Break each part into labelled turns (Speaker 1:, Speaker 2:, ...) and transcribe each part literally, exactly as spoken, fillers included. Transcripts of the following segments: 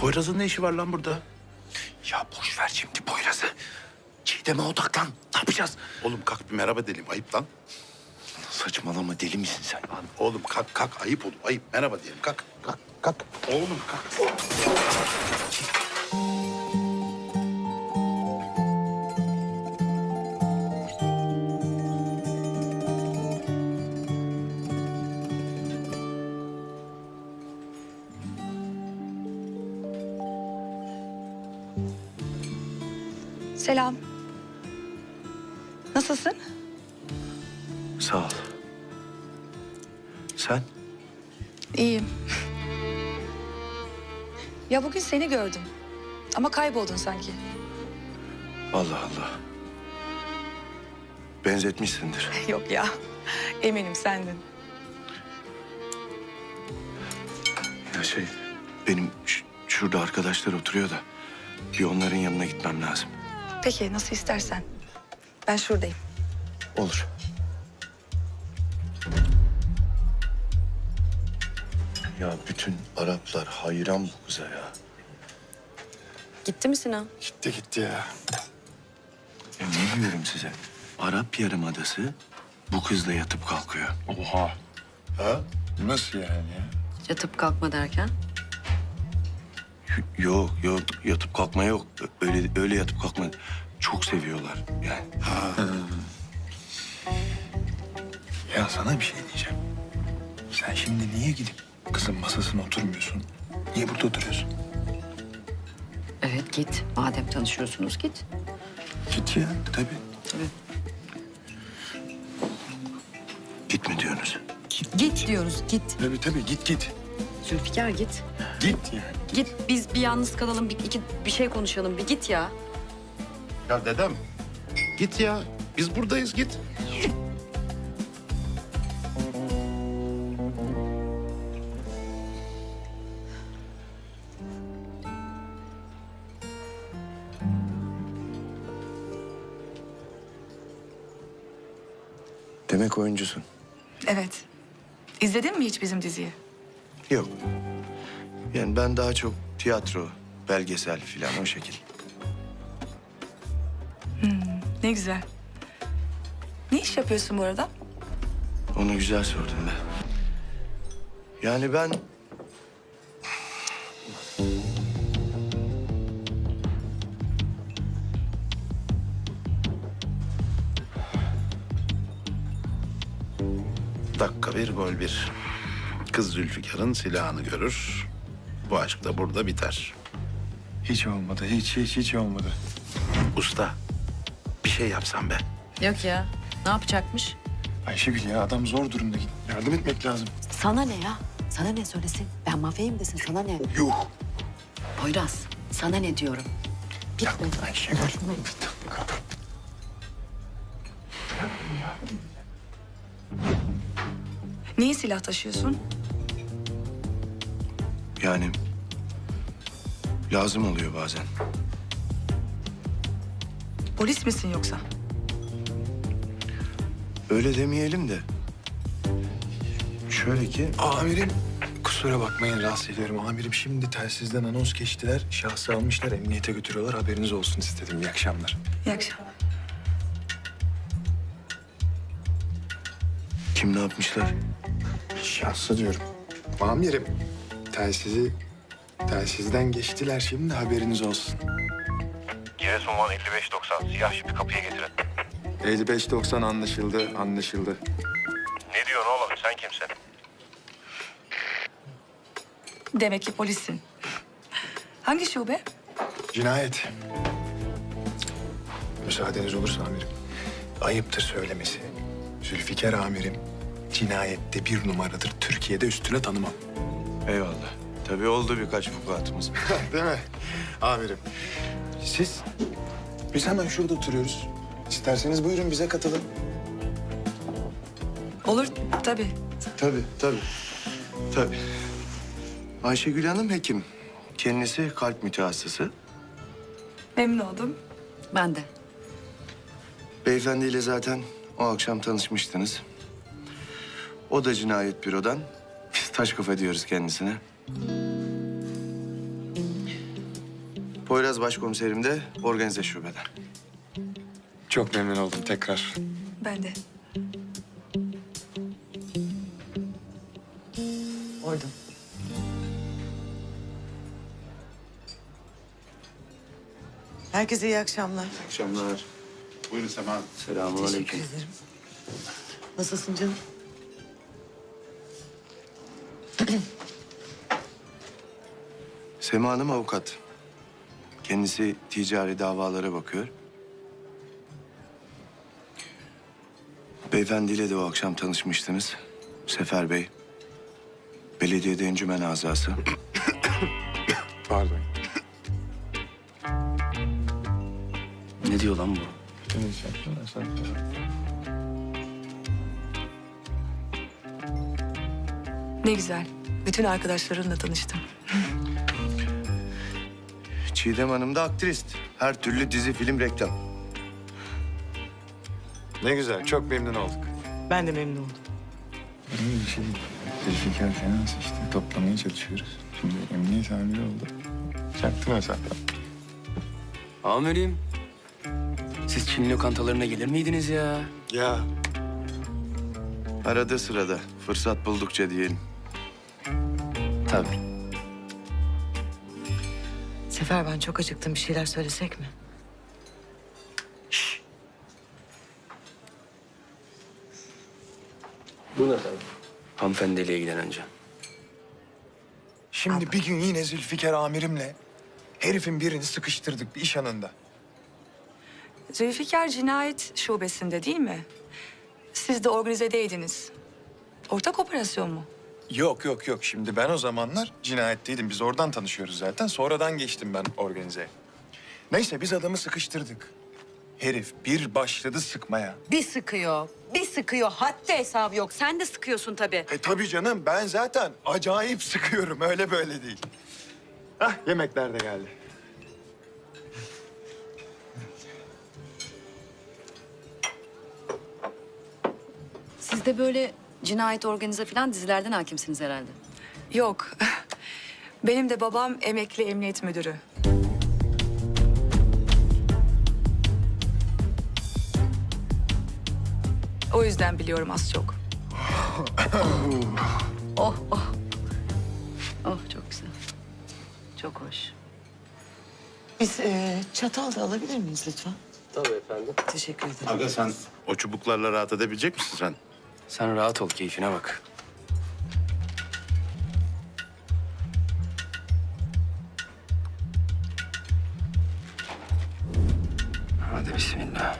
Speaker 1: Poyraz'ın ne işi var lan burada?
Speaker 2: Ya boş ver şimdi Poyraz'ı. Çiğdem'e odaklan. Ne yapacağız?
Speaker 1: Oğlum kalk bir merhaba diyelim. Ayıp lan.
Speaker 2: Saçmalama, deli misin sen?
Speaker 1: Lan oğlum kalk kalk. Ayıp oğlum. Ayıp. Merhaba diyelim. Kalk. Kalk. Kalk. Oğlum kalk.
Speaker 3: Selam. Nasılsın?
Speaker 2: Sağ ol. Sen?
Speaker 3: İyiyim. Ya bugün seni gördüm. Ama kayboldun sanki.
Speaker 2: Allah Allah. Benzetmişsindir.
Speaker 3: Yok ya. Eminim sendin.
Speaker 2: Ya şey, benim ş- şurada arkadaşlar oturuyor da... ...bir onların yanına gitmem lazım.
Speaker 3: Peki nasıl istersen. Ben şuradayım.
Speaker 2: Olur. Ya bütün Araplar hayran bu kıza ya.
Speaker 4: Gitti mi Sinan?
Speaker 2: Gitti gitti ya. Ya ne diyorum size? Arap Yarımadası bu kızla yatıp kalkıyor.
Speaker 5: Oha. Ha? Nasıl yani ya?
Speaker 4: Yatıp kalkma derken?
Speaker 2: Y- Yok yok, yatıp kalkma yok. Ö- Öyle öyle yatıp kalkma. Çok seviyorlar yani.
Speaker 5: Ya sana bir şey diyeceğim. Sen şimdi niye gidip kızın masasına oturmuyorsun? Niye burada oturuyorsun?
Speaker 4: Evet git. Madem tanışıyorsunuz git.
Speaker 5: Git ya. Tabii.
Speaker 4: Tabii.
Speaker 2: Git mi diyorsunuz?
Speaker 4: Git diyoruz git.
Speaker 5: Tabii tabii git git.
Speaker 4: Zülfikar git.
Speaker 5: Git yani.
Speaker 4: Git biz bir yalnız kalalım bir, iki, bir şey konuşalım bir git ya.
Speaker 1: Ya dedem. Git ya. Biz buradayız git.
Speaker 2: Demek oyuncusun.
Speaker 3: Evet. İzledin mi hiç bizim diziyi?
Speaker 2: Yok. Yani ben daha çok tiyatro, belgesel falan o şekil.
Speaker 3: Ne güzel. Ne iş yapıyorsun bu arada?
Speaker 2: Onu güzel sordun be. Yani ben...
Speaker 1: Dakika bir, gol bir. Kız Zülfikar'ın silahını görür. Bu aşk da burada biter.
Speaker 5: Hiç olmadı. Hiç hiç hiç olmadı.
Speaker 1: Usta, bir şey yapsam be.
Speaker 4: Yok ya. Ne yapacakmış?
Speaker 5: Ayşegül ya adam zor durumda. Git. Yardım etmek lazım.
Speaker 4: Sana ne ya? Sana ne söylesin? Ben mafyayım desin sana ne?
Speaker 5: Yuh.
Speaker 4: Poyraz sana ne diyorum?
Speaker 5: Ya Ayşegül. Bir dakika.
Speaker 3: Niye silah taşıyorsun?
Speaker 2: Yani... lazım oluyor bazen.
Speaker 3: Polis misin yoksa?
Speaker 2: Öyle demeyelim de... Şöyle ki...
Speaker 5: Amirim. Kusura bakmayın rahatsız ediyorum. Amirim şimdi telsizden anons geçtiler. Şahsı almışlar emniyete götürüyorlar. Haberiniz olsun istedim. İyi akşamlar.
Speaker 3: İyi akşamlar.
Speaker 2: Kim ne yapmışlar?
Speaker 5: Şahsı diyorum. Amirim. Telsizi... Telsizden geçtiler şimdi haberiniz olsun.
Speaker 6: Giresun Van elli beş doksan siyah jipi kapıya getirin.
Speaker 5: elli beş doksan anlaşıldı, anlaşıldı.
Speaker 6: Ne diyorsun oğlum sen kimsin?
Speaker 3: Demek ki polissin. Hangi şube?
Speaker 5: Cinayet. Müsaadeniz olursa amirim. Ayıptır söylemesi. Zülfikar amirim cinayette bir numaradır. Türkiye'de üstüne tanımam.
Speaker 2: Eyvallah. Tabii oldu birkaç vukuatımız.
Speaker 5: Değil mi? Amirim. Siz? Biz hemen şurada oturuyoruz. İsterseniz buyurun bize katılın.
Speaker 3: Olur tabii.
Speaker 2: Tabii, tabii. Tabii. Ayşegül Hanım hekim. Kendisi kalp mütehassısı.
Speaker 3: Memnun oldum.
Speaker 4: Ben de.
Speaker 2: Beyefendiyle zaten o akşam tanışmıştınız. O da cinayet bürodan. Biz taş kafa diyoruz kendisine. Poyraz başkomiserim de organize şubede.
Speaker 5: Çok memnun oldum tekrar.
Speaker 3: Ben de.
Speaker 7: Orada. Herkese iyi akşamlar.
Speaker 2: Akşamlar.
Speaker 1: Buyurun Sema.
Speaker 2: Selamünaleyküm.
Speaker 7: Teşekkür ederim. Nasılsın canım?
Speaker 2: Sema Hanım avukat. Kendisi ticari davalara bakıyor. Beyefendiyle de o akşam tanışmıştınız. Sefer Bey. Belediyede encümen azası.
Speaker 5: Pardon.
Speaker 2: Ne diyor lan bu?
Speaker 3: Ne güzel. Bütün arkadaşlarınla tanıştım.
Speaker 2: Çiğdem Hanım da aktrist. Her türlü dizi, film, reklam.
Speaker 5: Ne güzel, çok memnun olduk.
Speaker 7: Ben de memnun oldum.
Speaker 8: İyi bir şey. Zülfikar Finans işte toplamaya çalışıyoruz. Şimdi emniyet amiri oldu. Çaktırma sen.
Speaker 9: Amirim, siz Çin lokantalarına gelir miydiniz ya?
Speaker 5: Ya
Speaker 2: Arada sırada, fırsat buldukça diyelim.
Speaker 9: Tabii.
Speaker 7: Sefer ben çok acıktım. Bir şeyler söylesek mi?
Speaker 9: Hanımefendiyle ilgilen önce.
Speaker 5: şimdi bir gün yine Zülfikar amirimle herifin birini sıkıştırdık bir iş anında.
Speaker 3: Zülfikar cinayet şubesinde değil mi? Siz de organizedeydiniz. Ortak operasyon mu?
Speaker 5: Yok yok yok. Şimdi ben o zamanlar cinayetteydim. Biz oradan tanışıyoruz zaten. Sonradan geçtim ben organizeye. Neyse biz adamı sıkıştırdık. Herif bir başladı sıkmaya.
Speaker 4: Bir sıkıyor, bir sıkıyor. Haddi hesabı yok. Sen de sıkıyorsun tabii.
Speaker 5: E tabii canım ben zaten acayip sıkıyorum. Öyle böyle değil. Hah yemekler de geldi.
Speaker 4: Siz de böyle cinayet organize falan dizilerden hakimsiniz herhalde.
Speaker 3: Yok. Benim de babam emekli emniyet müdürü. O yüzden biliyorum az çok.
Speaker 4: Oh, oh. Oh, çok güzel. Çok hoş.
Speaker 7: Biz e, çatal da alabilir miyiz lütfen?
Speaker 9: Tabii efendim.
Speaker 7: Teşekkür ederim.
Speaker 1: Aga sen o çubuklarla rahat edebilecek misin sen?
Speaker 9: Sen rahat ol, keyfine bak. Hadi bismillah.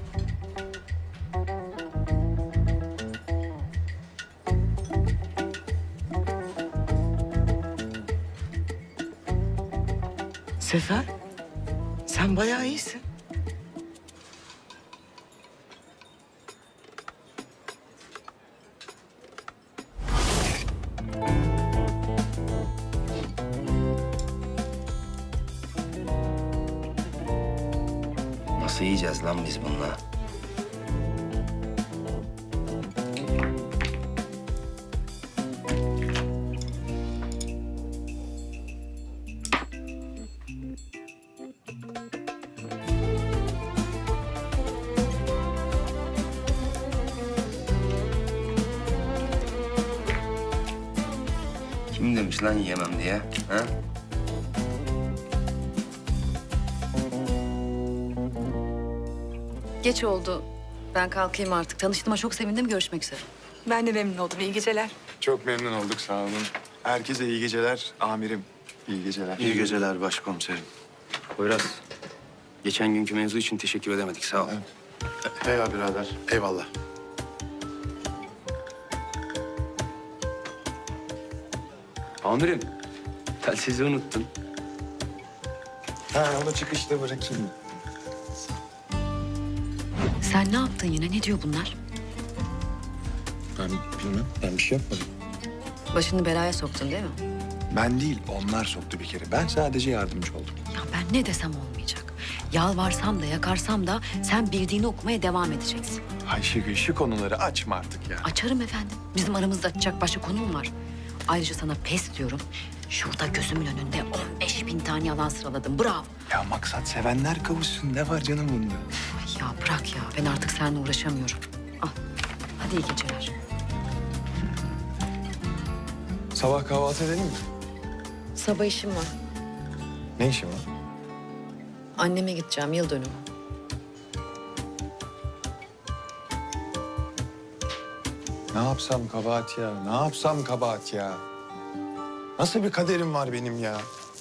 Speaker 7: Sefer, sen bayağı iyisin.
Speaker 9: Nasıl yiyeceğiz lan biz bununla? Kim demiş lan yiyemem diye? Ha?
Speaker 4: Geç oldu. Ben kalkayım artık. Tanıştığıma çok sevindim. Görüşmek üzere.
Speaker 3: Ben de memnun oldum. İyi geceler.
Speaker 5: Çok memnun olduk sağ olun. Herkese iyi geceler amirim. İyi geceler.
Speaker 2: İyi geceler başkomiserim.
Speaker 9: Poyraz, geçen günkü mevzu için teşekkür edemedik, sağ ol.
Speaker 1: Eyvallah birader. Eyvallah.
Speaker 9: Amirim, telsizi unuttun.
Speaker 5: Ha onu çıkışta bırakayım.
Speaker 4: Sen ne yaptın yine? Ne diyor bunlar?
Speaker 5: Ben bilmem. Ben bir şey yapmadım.
Speaker 4: Başını belaya soktun değil mi?
Speaker 5: Ben değil onlar soktu bir kere. Ben sadece yardımcı oldum.
Speaker 4: Ya ben ne desem olmayacak. Yalvarsam da yakarsam da sen bildiğini okumaya devam edeceksin.
Speaker 5: Ayşegül şu konuları açma artık ya.
Speaker 4: Açarım efendim. Bizim aramızda açacak başka konu mu var? Ayrıca sana pes diyorum. Şurada gözümün önünde on beş bin tane yalan sıraladım. Bravo.
Speaker 5: Ya maksat sevenler kavuşsun. Ne var canım bunda?
Speaker 4: Ay ya bırak ya. Ben artık seninle uğraşamıyorum. Al. Hadi iyi geceler.
Speaker 5: Sabah kahvaltı edelim mi?
Speaker 4: Sabah işim var.
Speaker 5: Ne işin var?
Speaker 4: Anneme gideceğim yıl dönümü.
Speaker 5: Ne yapsam kabahat ya? Ne yapsam kabahat ya? Nasıl bir kaderim var benim ya?